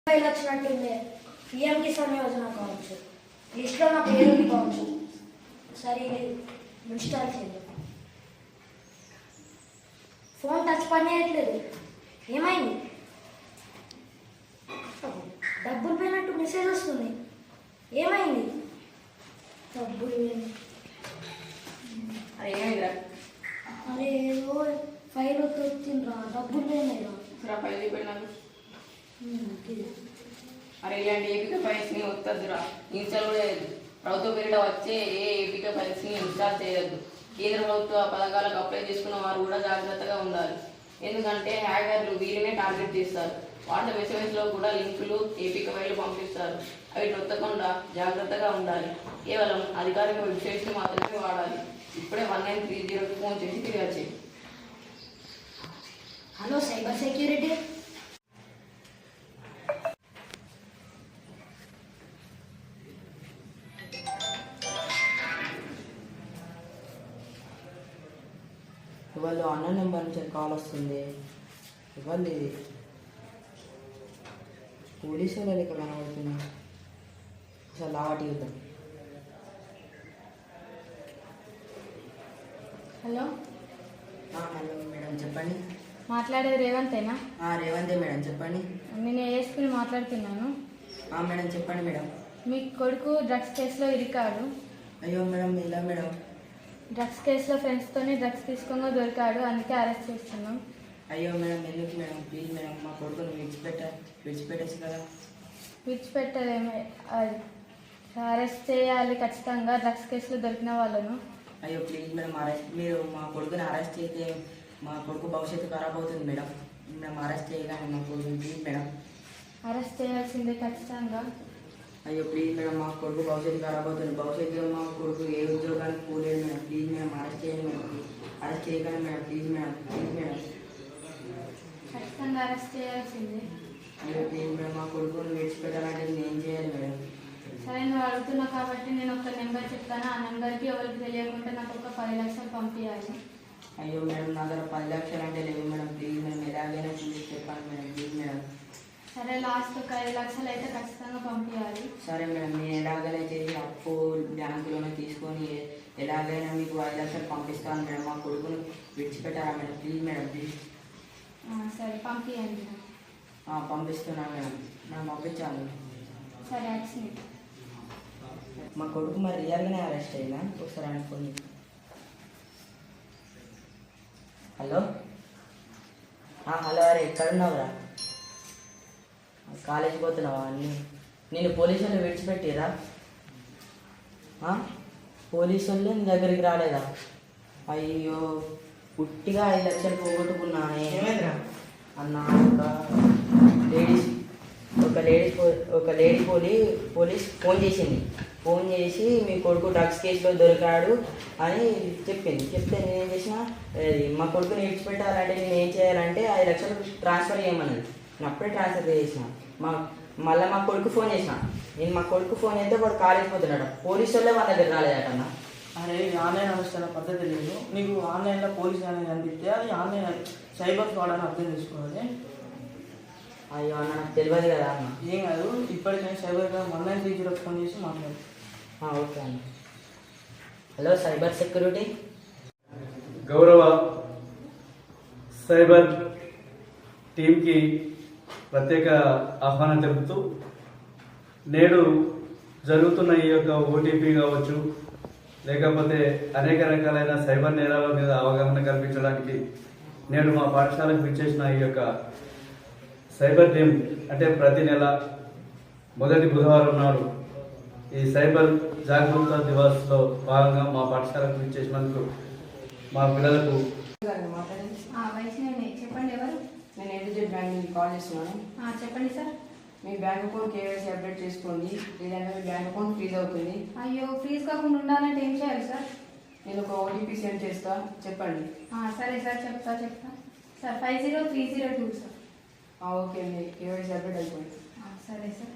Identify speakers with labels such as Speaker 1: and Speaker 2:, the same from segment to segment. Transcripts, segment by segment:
Speaker 1: File వచ్చినట్టుంది. PM Kisan Yojana కావచ్చు, లిస్ట్లో నా పేరు కావచ్చు. సరే ఇన్స్టాల్ చేద్దాం. ఫోన్ టచ్ పని చేయట్లేదు. ఏమైంది? డబ్బులు పోయినట్టు మెసేజ్ వస్తుంది. ఏమైంది? డబ్బులు
Speaker 2: అరే ఏమైందిరా?
Speaker 1: అరే ఏదో ఫైల్ వచ్చిండ్రా, డబ్బులు పోయినాయిరా.
Speaker 2: ఫైల్ అయిపోయినాను. అరే ఇలాంటి ఏపిక ఫైల్స్ని వద్దద్దురా, ఇన్స్టాల్ కూడా చేయద్దు. ప్రభుత్వ పేరిట వచ్చే ఏ ఏపిక ఫైల్స్ని ఇన్స్టాల్ చేయొద్దు. కేంద్ర ప్రభుత్వ పథకాలకు అప్లై చేసుకున్న వారు కూడా జాగ్రత్తగా ఉండాలి. ఎందుకంటే హ్యాకర్లు వీరినే టార్గెట్ చేస్తారు. వాట్సాప్ మెసేజ్లో కూడా లింకులు ఏపిక ఫైళ్లు పంపిస్తారు. అవి నొత్తకుండా జాగ్రత్తగా ఉండాలి. కేవలం అధికారిక వెబ్సైట్స్ని మాత్రమే వాడాలి. ఇప్పుడే 1930కి ఫోన్ చేసి తిరిగి వచ్చి.
Speaker 1: Hello cyber security.
Speaker 3: ఇవాళ అన్న నెంబర్ నుంచి కాల్ వస్తుంది. ఇవాళ ఇది పోలీసు వాళ్ళ లెక్క కనబడుతున్నా. అసలు లావాటి చూద్దాం.
Speaker 4: హలో
Speaker 3: హలో మేడం చెప్పండి.
Speaker 4: మాట్లాడేది రేవంతేనా?
Speaker 3: రేవంతే మేడం చెప్పండి.
Speaker 4: నేను ఏఎస్పీని మాట్లాడుతున్నాను.
Speaker 3: మేడం చెప్పండి మేడం.
Speaker 4: మీ కొడుకు డ్రగ్స్ కేసులో ఇరికాడు.
Speaker 3: అయ్యో మేడం ఇలా మేడం.
Speaker 4: డ్రగ్స్ కేసులో ఫ్రెండ్స్తోనే డ్రగ్స్ తీసుకోగా దొరికాడు, అందుకే అరెస్ట్ చేస్తున్నాం.
Speaker 3: అయ్యో మేడం ఎందుకు మేడం, ప్లీజ్ మేడం మా కొడుకుని విడిచిపెట్టేసి కదా.
Speaker 4: విడిచిపెట్టలేమే, అరెస్ట్ చేయాలి ఖచ్చితంగా డ్రగ్స్ కేసులో దొరికిన వాళ్ళను.
Speaker 3: అయ్యో ప్లీజ్ మేడం మీరు మా కొడుకుని అరెస్ట్ చేస్తే మా కొడుకు భవిష్యత్తు ఖరాబ్ అవుతుంది మేడం. మేము అరెస్ట్ చేయగానే మా కొడుకుని ప్లీజ్ మేడం.
Speaker 4: అరెస్ట్ చేయాల్సిందే ఖచ్చితంగా.
Speaker 3: అయ్యో ప్లీజ్ మేడం మా కొడుకు భవిష్యత్తు ఖరాబ్ అవుతుంది. భవిష్యత్తులో మా కొడుకు ఏ ఉద్యోగానికి పోలేదు మేడం. ప్లీజ్ మేడం అరెస్ట్ చేయండి మేడం. అరెస్ట్ చేయగానే madam please madam. Please madam
Speaker 4: ఖచ్చితంగా అరెస్ట్ చేయాల్సిందే.
Speaker 3: అయ్యో ప్లీజ్ మేడం మా కొడుకుని విడిచిపెట్టాలంటే నేను ఏం చేయాలి మేడం?
Speaker 4: సరే నువ్వు అడుగుతున్నావు కాబట్టి నేను ఒక నెంబర్ చెప్తాను. ఆ నెంబర్కి ఎవరికి తెలియకుండా నాకు ఒక 10 లక్షలు పంపించాలి.
Speaker 3: అయ్యో మేడం నా దగ్గర 10 లక్షలు అంటే లేవు మేడం. ప్లీజ్ మేడం ఎలాగైనా చూసి చెప్పండి మేడం. Please madam.
Speaker 4: సరే లాస్ట్ ఒక 5 లక్షలు అయితే ఖచ్చితంగా పంపించాలి.
Speaker 3: సరే మేడం నేను ఎలాగైనా చేసి అప్పు బ్యాంకులోనే తీసుకొని ఎలాగైనా మీకు 5 లక్షలు పంపిస్తాను మేడం. మా కొడుకుని విడిచిపెట్టారా మేడం? Please madam please.
Speaker 4: సరే పంపించండి.
Speaker 3: పంపిస్తున్నాను మేడం. మనం పంపించాలి.
Speaker 4: సరే యాక్సిడెంట్.
Speaker 3: మా కొడుకు మరి రియల్గానే అరెస్ట్ అయిందా? ఒకసారి అనుకోండి. హలో హలో అరే ఎక్కడున్నావురా? కాలేజీకి పోతున్నావా? నేను పోలీసు వాళ్ళు విడిచిపెట్టిరా? పోలీసు వాళ్ళు నీ దగ్గరికి రాలేదా? అయ్యో పుట్టిగా 5 లక్షలు పోగొట్టుకున్నానే అన్న. ఒక లేడీ పోలీస్ ఫోన్ చేసింది. ఫోన్ చేసి మీ కొడుకు డ్రగ్స్ కేసులో దొరికాడు అని చెప్తే నేనేం చేసిన, మా కొడుకుని విడిచిపెట్టాలంటే నేను ఏం చేయాలంటే 5 లక్షలు ట్రాన్స్ఫర్ చేయమన్నది. నేను అప్పుడే ట్రాన్స్ఫర్ చేసిన. మళ్ళీ మా కొడుకు ఫోన్ చేసిన. నేను మా కొడుకు ఫోన్ చేస్తే వాడు కాలేజ్ పోతున్నాడు. పోలీసు వాళ్ళే వాళ్ళ దగ్గర రాలేదటన్నా.
Speaker 5: అరే ఆన్లైన్ అవసరం పద్ధతి లేదు. నీకు ఆన్లైన్లో పోలీస్ అనేది కనిపిస్తే అది ఆన్లైన్ సైబర్ ఫ్రాడ్ అని అర్థం చేసుకోవాలి.
Speaker 3: అయ్యో అన్న నాకు తెలియదు కదా అన్న.
Speaker 5: ఏం కాదు, ఇప్పటికైనా సైబర్ క్రైమ్ 1930 ఫోన్ చేసి మాట్లాడు.
Speaker 3: ఓకే అన్న. Hello cyber security.
Speaker 6: గౌరవ సైబర్ టీంకి ప్రత్యేక ఆహ్వానం తెలుపుతూ నేడు జరుగుతున్న ఈ యొక్క ఓటీపీ కావచ్చు, లేకపోతే అనేక రకాలైన సైబర్ నేరాల మీద అవగాహన కల్పించడానికి నేడు మా పాఠశాలకు విచ్చేసిన ఈ యొక్క సైబర్ టీం అంటే ప్రతి నెల మొదటి బుధవారం నాడు ఈ సైబర్ జాగరూకత దివాస్లో భాగంగా మా పాఠశాలకు విచ్చేసినందుకు మా పిల్లలకు
Speaker 4: వైష్ణవి చెప్పండి. ఎవరు?
Speaker 3: నేను ఎన్టీజెడ్ బ్యాంక్ నుంచి కాల్ చేస్తున్నాను.
Speaker 4: చెప్పండి సార్.
Speaker 3: మీ బ్యాంక్ అకౌంట్ కేవైసీ అప్డేట్ చేసుకోండి, లేదంటే మీ బ్యాంక్ అకౌంట్ ఫ్రీజ్ అవుతుంది.
Speaker 4: అయ్యో ఫ్రీజ్ కాకుండా ఉండాలంటే ఏం చేయాలి సార్?
Speaker 3: నేను ఒక ఓటీపీ సెండ్ చేస్తా, చెప్పండి.
Speaker 4: సరే సార్ చెప్తా సార్. 50302 సార్.
Speaker 3: ఓకే అండి, కేవైసీ అప్డేట్ అయిపోయింది.
Speaker 4: సరే సార్.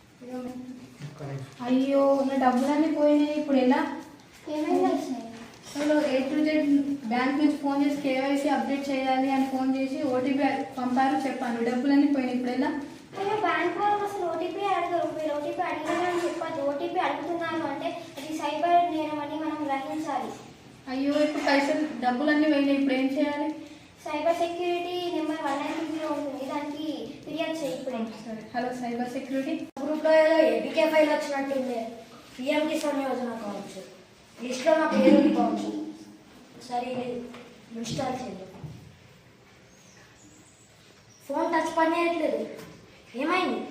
Speaker 4: అయ్యో నా డబ్బులన్నీ పోయినాయి, ఇప్పుడు ఎలా?
Speaker 1: ఏమైంది?
Speaker 4: అసలు A to Z బ్యాంక్ నుంచి ఫోన్ చేసి కేవైసీ అప్డేట్ చేయాలి అని ఫోన్ చేసి ఓటీపీ పంపారు, చెప్పాను. డబ్బులన్నీ పోయినాయి, ఇప్పుడు ఎలా?
Speaker 7: అయ్యో బ్యాంక్ వాళ్ళు అసలు ఓటీపీ అడగరు. మీరు ఓటీపీ అడిగారని చెప్పదు. ఓటీపీ అడుగుతున్నాను అంటే అది సైబర్ నేరం అని మనం గ్రహించాలి.
Speaker 4: అయ్యో ఇప్పుడు పైసలు డబ్బులన్నీ పోయినాయి, ఇప్పుడు ఏం చేయాలి?
Speaker 7: సైబర్ సెక్యూరిటీ నెంబర్ 190 ఉంటుంది, దానికి ఫిర్యాదు చేయి ఇప్పుడే.
Speaker 4: సరే. Hello cyber security.
Speaker 1: గ్రూప్లో ఏదో ఏపీకే ఫైల్ వచ్చినట్టుంది. పిఎం కిసాన్ యోజన కావచ్చు, లిస్ట్లో నా పేరు ఉంది కావచ్చు. సరే ఇన్స్టాల్ చేయండి. ఫోన్ టచ్ పని చేయట్లేదు. ఏమైంది?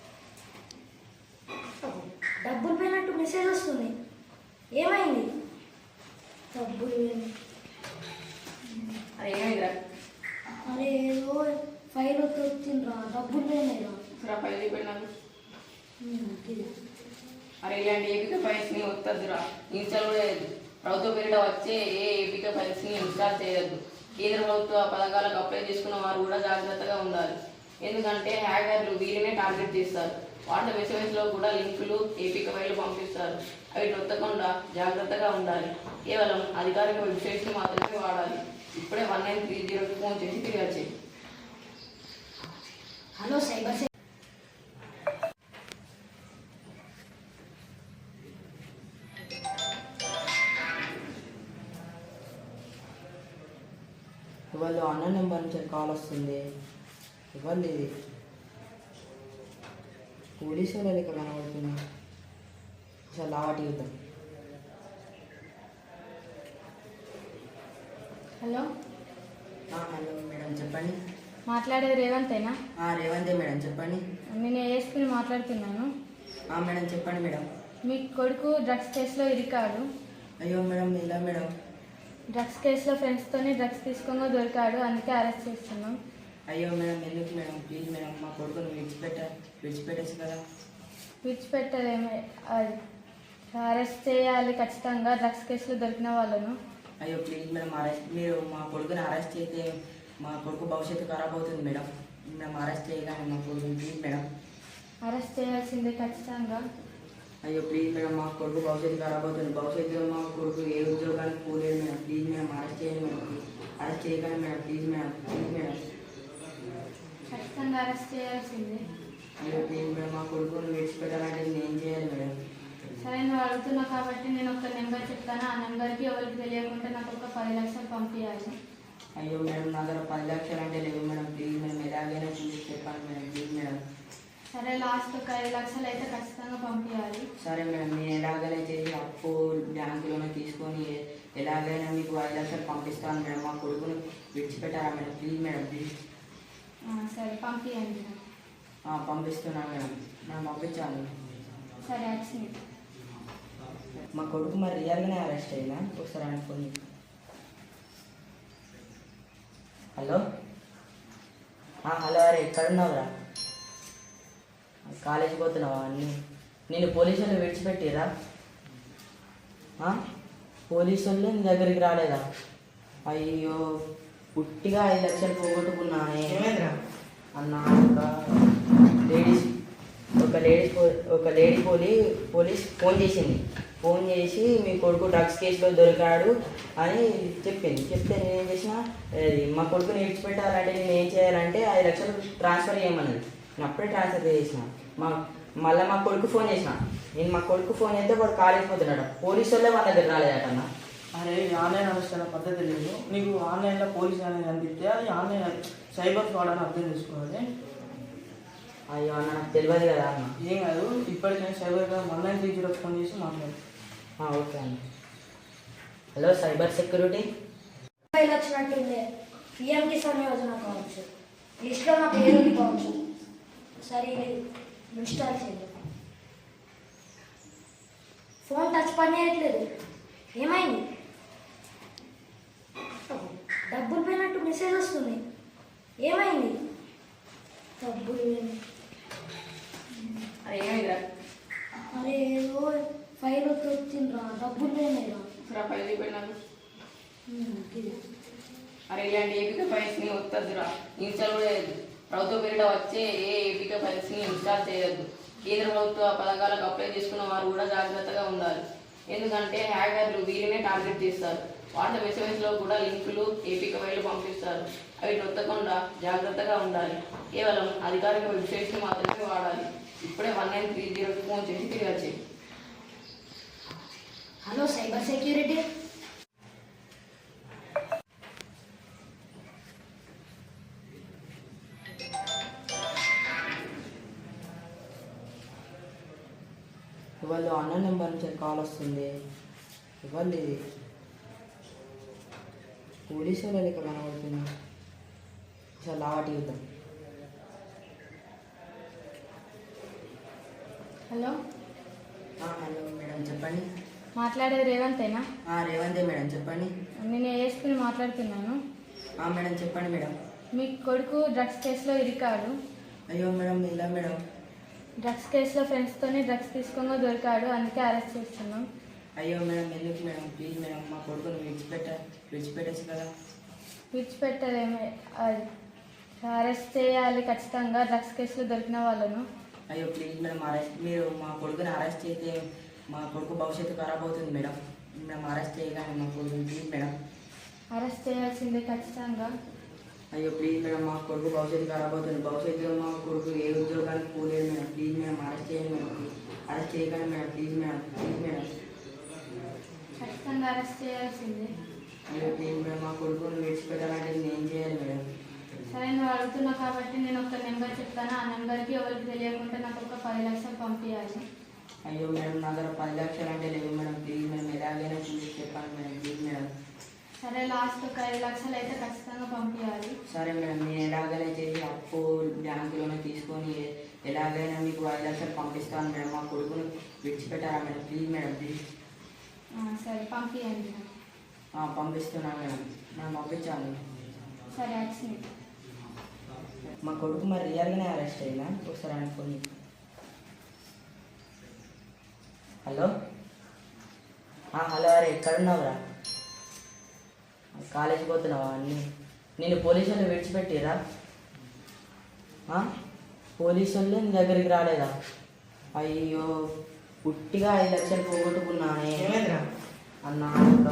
Speaker 1: డబ్బులు పోయినట్టు మెసేజ్ వస్తుంది. ఏమైంది? డబ్బులు పోయినాయి.
Speaker 2: అరే ఏమైందిరా?
Speaker 1: అరే ఏదో ఫైల్ వచ్చిండ్రా, డబ్బులు పోయినాయిరా.
Speaker 2: సరే ఫైల్ చూపెట్టి నాకు.
Speaker 1: ఇది.
Speaker 2: అరే ఇలాంటి ఏపీకే ఫైల్స్ని వద్దద్దురా, ఇన్స్టాల్ కూడా చేయొద్దు. ప్రభుత్వ పేరిట వచ్చే ఏ ఏపీకే ఫైల్స్ని ఇన్స్టాల్ చేయొద్దు. కేంద్ర ప్రభుత్వ పథకాలకు అప్లై చేసుకున్న వారు కూడా జాగ్రత్తగా ఉండాలి. ఎందుకంటే హ్యాకర్లు వీరినే టార్గెట్ చేస్తారు. వాట్సాప్ మెసేజ్లో కూడా లింకులు ఏపీకే ఫైళ్ళు పంపిస్తారు. అవి నొత్తకుండా జాగ్రత్తగా ఉండాలి. కేవలం అధికారిక వెబ్సైట్స్ని మాత్రమే వాడాలి. ఇప్పుడే 1930కి ఫోన్ చేసి ఫిర్యాదు చేయి.
Speaker 1: హలో సైబర్
Speaker 3: ఇవాళ అన్న నెంబర్ నుంచి కాల్ వస్తుంది. ఇవాళ ఇది పోలీసు వాళ్ళ లెక్క కనబడుతుంది. అసలు లావాటి యుద్ధం.
Speaker 4: హలో
Speaker 3: హలో మేడం చెప్పండి.
Speaker 4: మాట్లాడేది రేవంతేనా?
Speaker 3: రేవంతే మేడం చెప్పండి.
Speaker 4: నేను ఏఎస్పీని మాట్లాడుతున్నాను.
Speaker 3: మేడం చెప్పండి మేడం.
Speaker 4: మీ కొడుకు డ్రగ్స్ కేసులో ఇరికాడు.
Speaker 3: అయ్యో మేడం ఇలా మేడం.
Speaker 4: డ్రగ్స్ కేసులో ఫ్రెండ్స్తోని డ్రగ్స్ తీసుకోగా దొరికాడు, అందుకే అరెస్ట్ చేస్తున్నాం.
Speaker 3: అయ్యో మేడం ఎందుకు మేడం, ప్లీజ్ మేడం మా కొడుకుని విడిచిపెట్టేసి కదా.
Speaker 4: విడిచిపెట్టలేమే, అరెస్ట్ చేయాలి ఖచ్చితంగా డ్రగ్స్ కేసులో దొరికిన వాళ్ళను.
Speaker 3: అయ్యో ప్లీజ్ మేడం మీరు మా కొడుకుని అరెస్ట్ చేస్తే మా కొడుకు భవిష్యత్తు ఖరాబ్ అవుతుంది మేడం. మేము అరెస్ట్ చేయగానే మా కొడుకుని ప్లీజ్ మేడం.
Speaker 4: అరెస్ట్ చేయాల్సిందే ఖచ్చితంగా.
Speaker 3: అయ్యో ప్లీజ్ మేడం మా కొడుకు భవిష్యత్తు ఖరాబ్ అవుతుంది. భవిష్యత్తులో మా కొడుకు ఏ ఉద్యోగానికి పోలేదు మేడం. ప్లీజ్ మేడం అరెస్ట్ చేయండి మేడం. అరెస్ట్ చేయగానే madam please madam. Please madam.
Speaker 4: ఖచ్చితంగా అరెస్ట్ చేయాల్సిందే.
Speaker 3: అయ్యో ప్లీజ్ మేడం మా కొడుకుని విడిచిపెట్టాలంటే నేను ఏం చేయాలి మేడం?
Speaker 4: సరే నువ్వు అడుగుతున్నావు కాబట్టి నేను ఒక నెంబర్ చెప్తాను. ఆ నెంబర్కి ఎవరికి తెలియకుండా నాకు ఒక 10 లక్షలు పంపించాలి.
Speaker 3: అయ్యో మేడం నా దగ్గర 10 లక్షలు అంటే లేవు మేడం. ప్లీజ్ మేడం ఎలాగైనా చూసి చెప్పండి మేడం. Please madam.
Speaker 4: సరే లాస్ట్ ఒక 5 లక్షలు అయితే ఖచ్చితంగా పంపించాలి.
Speaker 3: సరే మేడం నేను ఎలాగైనా చేసి అప్పు బ్యాంకులోనే తీసుకొని ఎలాగైనా మీకు 5 లక్షలు పంపిస్తాను మేడం. మా కొడుకుని విడిచిపెట్టారా మేడం? Please madam please.
Speaker 4: సరే పంపించండి.
Speaker 3: పంపిస్తున్నాను మేడం. నేను పంపించాను.
Speaker 4: సరే వచ్చింది.
Speaker 3: మా కొడుకు మరి రియల్గానే అరెస్ట్ అయినా ఒకసారి అనుకోండి. హలో హలో అరే ఎక్కడున్నావురా? కాలేజీకి పోతున్నావా? నేను పోలీసు వాళ్ళు విడిచిపెట్టిరా? పోలీసు వాళ్ళు నీ దగ్గరికి రాలేదా? అయ్యో పుట్టిగా 5 లక్షలు పోగొట్టుకున్నానే అన్న. ఒక లేడీ పోలీస్ ఫోన్ చేసింది. ఫోన్ చేసి మీ కొడుకు డ్రగ్స్ కేసులో దొరికాడు అని చెప్పింది. చెప్తే నేనేం చేసిన, మా కొడుకుని విడిచిపెట్టాలంటే నేను ఏం చేయాలంటే 5 లక్షలు ట్రాన్స్ఫర్ చేయమన్నది. నేను అప్పుడే ట్రాన్స్ఫర్ చేసిన. మళ్ళీ మా కొడుకు ఫోన్ చేసిన. నేను మా కొడుకు ఫోన్ చేస్తే వాడు కాలేజీకి పోతున్నాడు. పోలీసు వాళ్ళే వాళ్ళ దగ్గర రాలేదటన్నా.
Speaker 5: అరే ఆన్లైన్ అనుష్ఠాన పద్ధతి లేదు. నీకు ఆన్లైన్లో పోలీస్ అనేది అనిపిస్తే అది ఆన్లైన్ సైబర్ ఫ్రాడ్ అని అర్థం చేసుకోవాలి.
Speaker 3: అయ్యో అన్న నాకు తెలియదు కదా అన్న.
Speaker 5: ఏం కాదు, ఇప్పటికైనా సైబర్గా 1930 ఫోన్ చేసి మాట్లాడు.
Speaker 3: ఓకే అన్న. Hello cyber security.
Speaker 1: ఫైల్ వచ్చినట్టుంది. పిఎం కిసాన్ యోజన కావచ్చు, లిస్ట్లో నా పేరు ఉంది కావచ్చు. సరే ఇన్స్టాల్ చేయండి. ఫోన్ టచ్ పని చేయట్లేదు. ఏమైంది? డబ్బులు పోయినట్టు మెసేజ్ వస్తుంది. ఏమైంది? డబ్బులు పోయినాయి.
Speaker 2: అరే ఏమైందిరా?
Speaker 1: అరే ఏదో ఫైల్ వచ్చిండ్రా, డబ్బులు పోయినాయిరా.
Speaker 2: సరే ఫైల్ చూపెట్టి నాకు.
Speaker 1: ఇది.
Speaker 2: అరే ఇలాంటి ఏపీకే ఫైల్స్ని వద్దద్దురా, ఇన్స్టాల్ కూడా చేయొద్దు. ప్రభుత్వ పేరిట వచ్చే ఏ ఏపీకే ఫైల్స్ని ఇన్స్టాల్ చేయొద్దు. కేంద్ర ప్రభుత్వ పథకాలకు అప్లై చేసుకున్న వారు కూడా జాగ్రత్తగా ఉండాలి. ఎందుకంటే హ్యాకర్లు వీరినే టార్గెట్ చేస్తారు. వాట్సాప్ మెసేజ్లో కూడా లింకులు ఏపీకే ఫైళ్ళు పంపిస్తారు. అవి నొత్తకుండా జాగ్రత్తగా ఉండాలి. కేవలం అధికారిక వెబ్సైట్స్ మాత్రమే వాడాలి. ఇప్పుడే 1930 ఫోన్ చేసి ఫిర్యాదు చేయి.
Speaker 1: Hello cyber security.
Speaker 3: ఇవాళ అన్న నెంబర్ నుంచి కాల్ వస్తుంది. ఇవాళ ఇది పోలీసు వాళ్ళ లెక్క కనబడుతుంది. అసలు లావాటి యుద్ధం.
Speaker 4: హలో,
Speaker 3: హలో మేడం చెప్పండి.
Speaker 4: మాట్లాడేది రేవంతేనా?
Speaker 3: రేవంతే మేడం చెప్పండి.
Speaker 4: నేను ఏఎస్పీని మాట్లాడుతున్నాను.
Speaker 3: మేడం చెప్పండి మేడం.
Speaker 4: మీ కొడుకు డ్రగ్స్ కేసులో ఇరికాడు.
Speaker 3: అయ్యో మేడం ఇలా మేడం.
Speaker 4: డ్రగ్స్ కేసులో ఫ్రెండ్స్తోనే డ్రగ్స్ తీసుకోగా దొరికాడు, అందుకే అరెస్ట్ చేస్తున్నాం.
Speaker 3: అయ్యో మేడం ఎందుకు మేడం, ప్లీజ్ మేడం మా కొడుకుని విడిచిపెట్టచ్చు కదా.
Speaker 4: విడిచిపెట్టలేమే, అరెస్ట్ చేయాలి ఖచ్చితంగా డ్రగ్స్ కేసులో దొరికిన వాళ్ళను.
Speaker 3: అయ్యో ప్లీజ్ మేడం మీరు మా కొడుకుని అరెస్ట్ చేస్తే మా కొడుకు భవిష్యత్తు ఖరాబ్ అవుతుంది మేడం. మేము అరెస్ట్ చేయగానే మా కొడుకుని ప్లీజ్ మేడం.
Speaker 4: అరెస్ట్ చేయాల్సిందే ఖచ్చితంగా.
Speaker 3: అయ్యో ప్లీజ్ మేడం మా కొడుకు భవిష్యత్తు ఖరాబ్ అవుతుంది. భవిష్యత్తులో మా కొడుకు ఏ ఉద్యోగానికి పోలేదు మేడం. ప్లీజ్ మేడం అరెస్ట్ చేయండి మేడం. అరెస్ట్ చేయగానే మేడం ప్లీజ్ మేడం.
Speaker 4: ఖచ్చితంగా అరెస్ట్ చేయాల్సిందే.
Speaker 3: అయ్యో ప్లీజ్ మేడం మా కొడుకుని విడిచిపెట్టాలంటే నేను ఏం చేయాలి మేడం?
Speaker 4: సరే, నువ్వు అడుగుతున్నావు కాబట్టి నేను ఒక నెంబర్ చెప్తాను. ఆ నెంబర్కి ఎవరికి తెలియకుండా నాకు ఒక 10 లక్షలు పంపించాలి.
Speaker 3: అయ్యో మేడం నా దగ్గర 10 లక్షలు అంటే లేవు మేడం. ప్లీజ్ మేడం ఎలాగైనా చూసి చెప్పండి మేడం. Please madam.
Speaker 4: సరే, లాస్ట్ ఒక 5 లక్షలు అయితే ఖచ్చితంగా పంపించాలి.
Speaker 3: సరే మేడం నేను ఎలాగైనా చేసి అప్పు బ్యాంకులోనే తీసుకొని ఎలాగైనా మీకు 5 లక్షలు పంపిస్తాను మేడం. మా కొడుకుని విడిచిపెట్టారా మేడం? Please madam please.
Speaker 4: సరే, పంపించండి.
Speaker 3: పంపిస్తున్నాను మేడం. నన్ను పంపించాలి.
Speaker 4: సరే, వచ్చింది.
Speaker 3: మా కొడుకు మరి రియల్గానే అరెస్ట్ అయ్యిందా? ఒకసారి అనుకోండి. హలో హలో, అరే ఎక్కడున్నావురా? కాలేజీకి పోతున్నావా? నేను పోలీసు వాళ్ళు విడిచిపెట్టిరా? పోలీసు వాళ్ళు నీ దగ్గరికి రాలేదా? అయ్యో పుట్టిగా 5 లక్షలు పోగొట్టుకున్నానే అన్న.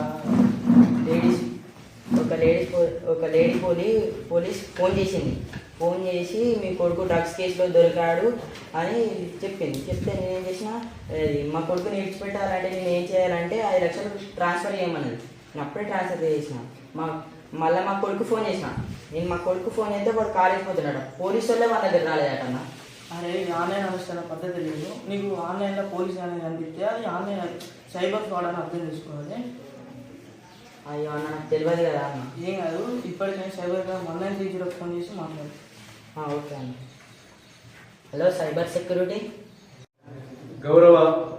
Speaker 3: ఒక లేడీ పోలీస్ ఫోన్ చేసి మీ కొడుకు డ్రగ్స్ కేసులో దొరికాడు అని చెప్పింది. చెప్తే నేనేం చేసిన, మా కొడుకుని విడిచిపెట్టాలంటే నేను ఏం చేయాలంటే 5 లక్షలు ట్రాన్స్ఫర్ చేయమన్నది. నేను అప్పుడే ట్రాన్స్ఫర్ చేసిన. మళ్ళీ మా కొడుకు ఫోన్ చేసిన. నేను మా కొడుకు ఫోన్ చేస్తే వాడు కాలేజ్ పోతున్నాడు. పోలీసు వాళ్ళే వాళ్ళ దగ్గర రాలేదట.
Speaker 5: అరే ఆన్లైన్ అనుష్ఠాన పద్ధతి లేదు. నీకు ఆన్లైన్లో పోలీస్ అనేది కనిపిస్తే అది ఆన్లైన్ సైబర్ ఫ్రాడ్ అని అర్థం చేసుకోవాలి.
Speaker 3: అయ్యో అన్న నాకు తెలియదు కదా అన్న.
Speaker 5: ఏం కాదు, ఇప్పటికైనా సైబర్ క్రైమ్ 1930 ఫోన్ చేసి మాట్లాడు.
Speaker 3: ఓకే అన్న. Hello cyber security.
Speaker 6: గౌరవ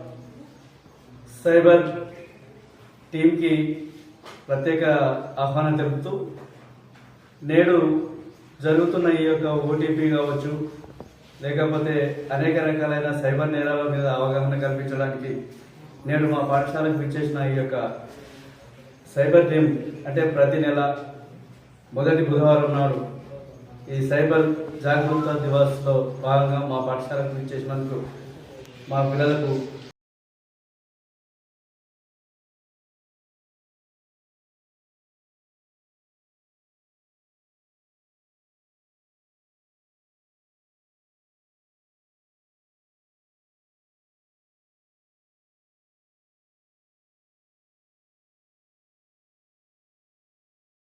Speaker 6: సైబర్ టీంకి ప్రత్యేక ఆహ్వానం తెలుపుతూ నేడు జరుగుతున్న ఈ యొక్క ఓటీపీ కావచ్చు, లేకపోతే అనేక రకాలైన సైబర్ నేరాల మీద అవగాహన కల్పించడానికి నేడు మా పాఠశాలకు విచ్చేసిన ఈ యొక్క సైబర్ టీం అంటే ప్రతి నెల మొదటి బుధవారం నాడు ఈ సైబర్ జాగరూకత దివాస్లో భాగంగా మా పాఠశాలకు విచ్చేసినందుకు మా పిల్లలకు